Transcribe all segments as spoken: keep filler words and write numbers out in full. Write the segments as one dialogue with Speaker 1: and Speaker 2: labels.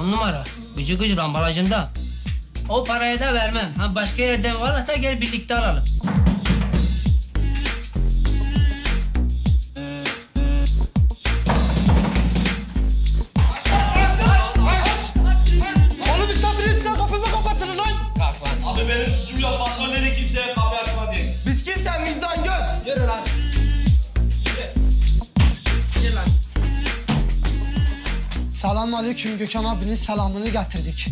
Speaker 1: On numara. Gıcı gıcı ambalajında. O parayı da vermem. Ha başka yerden varsa gel birlikte alalım.
Speaker 2: Oğlum misafirinizle kapımı kapatın lan.
Speaker 3: Kalk lan.
Speaker 4: Abi benim suçum yok. Patron dedi kimseye kapıyı açma diye.
Speaker 2: Biz kimsen bizden göt.
Speaker 1: Yürü lan. Yürü lan.
Speaker 5: Selam aleyküm, Gökhan abinin selamını getirdik.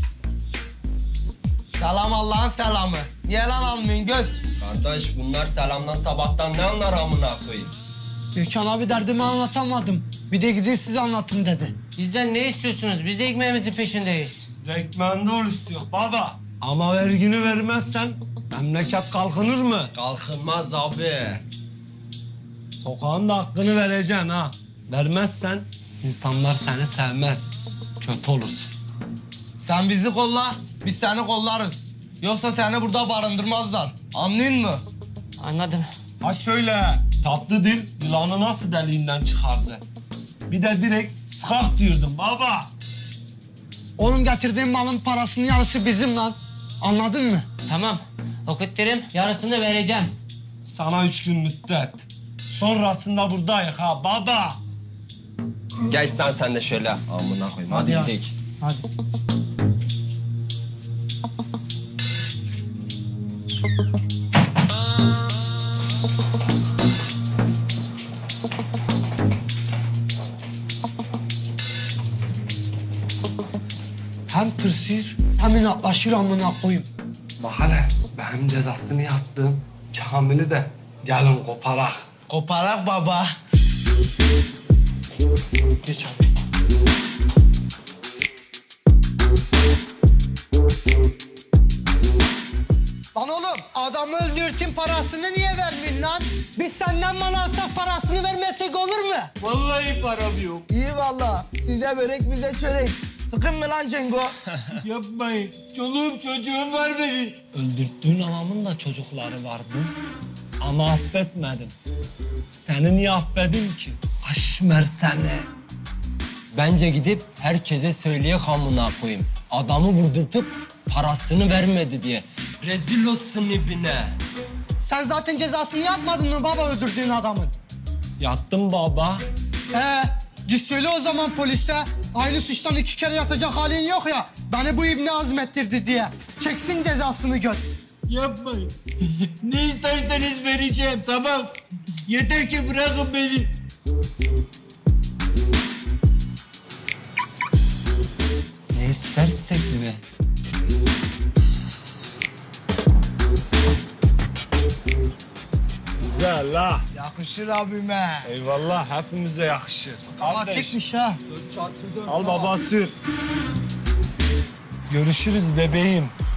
Speaker 2: Selam Allah'ın selamı. Niye lan almıyorsun göt?
Speaker 3: Kardeş bunlar selamdan sabahtan ne anlar amına koyayım?
Speaker 5: Gökhan abi derdimi anlatamadım. Bir de gidin size anlatın dedi.
Speaker 1: Bizden ne istiyorsunuz? Biz de ekmeğimizin peşindeyiz.
Speaker 4: Zekmende ol istiyor baba. Ama vergini vermezsen memleket kalkınır mı?
Speaker 3: Kalkınmaz abi.
Speaker 4: Sokağın da hakkını vereceksin ha. Vermezsen insanlar seni sevmez. Kötü olursun.
Speaker 2: Sen bizi kolla, biz seni kollarız. Yoksa seni burada barındırmazlar. Anlıyor musun?
Speaker 1: Anladım.
Speaker 4: Ha şöyle, tatlı dil yılanı nasıl deliğinden çıkardı? Bir de direkt sıkak diyordum baba.
Speaker 5: Oğlum getirdiğin malın parasının yarısı bizim lan. Anladın mı?
Speaker 1: Tamam. Okutturum. Yarısını vereceğim.
Speaker 4: Sana üç gün müddet. Sonrasında buradayız ha baba.
Speaker 3: Geç lan sen de şöyle amına koyayım. Hadi,
Speaker 5: ya.
Speaker 3: gidelim.
Speaker 5: Hadi. Hem tırsır hem inatlaşır amına koyayım.
Speaker 4: Bak hele benim cezasını yattım. Kamil'i de gelin koparak.
Speaker 2: Koparak baba.
Speaker 5: Geç abi. Lan oğlum adamı öldürtün parasını niye vermiyorsun lan? Biz senden mal alsak parasını vermesek olur mu?
Speaker 4: Vallahi param yok.
Speaker 2: İyi valla. Size börek bize çörek. Sıkın mı lan Cengo?
Speaker 4: Yapmayın. Çoluğum çocuğum var benim. Öldürttüğün anamın da çocukları vardı. Ama affetmedim. Seni niye affedeyim ki? Aşmer seni.
Speaker 3: Bence gidip herkese söyleyek amına koyayım. Adamı vurdurtup parasını vermedi diye. Rezil olsun ibine.
Speaker 5: Sen zaten cezasını yatmadın mı baba öldürdüğün adamın?
Speaker 4: Yattım baba.
Speaker 5: Ee, git söyle o zaman polise. Aynı suçtan iki kere yatacak halin yok ya. Beni bu ibne azmettirdi diye. Çeksin cezasını göt.
Speaker 4: Yapmayın. Ne isterseniz vereceğim tamam. Yeter ki bırakın beni.
Speaker 3: Ne istersek mi?
Speaker 4: Güzel ha.
Speaker 2: Yakışır abime.
Speaker 4: Eyvallah hepimize yakışır.
Speaker 5: Hava tekmiş ha.
Speaker 4: Al baba sür. Görüşürüz bebeğim.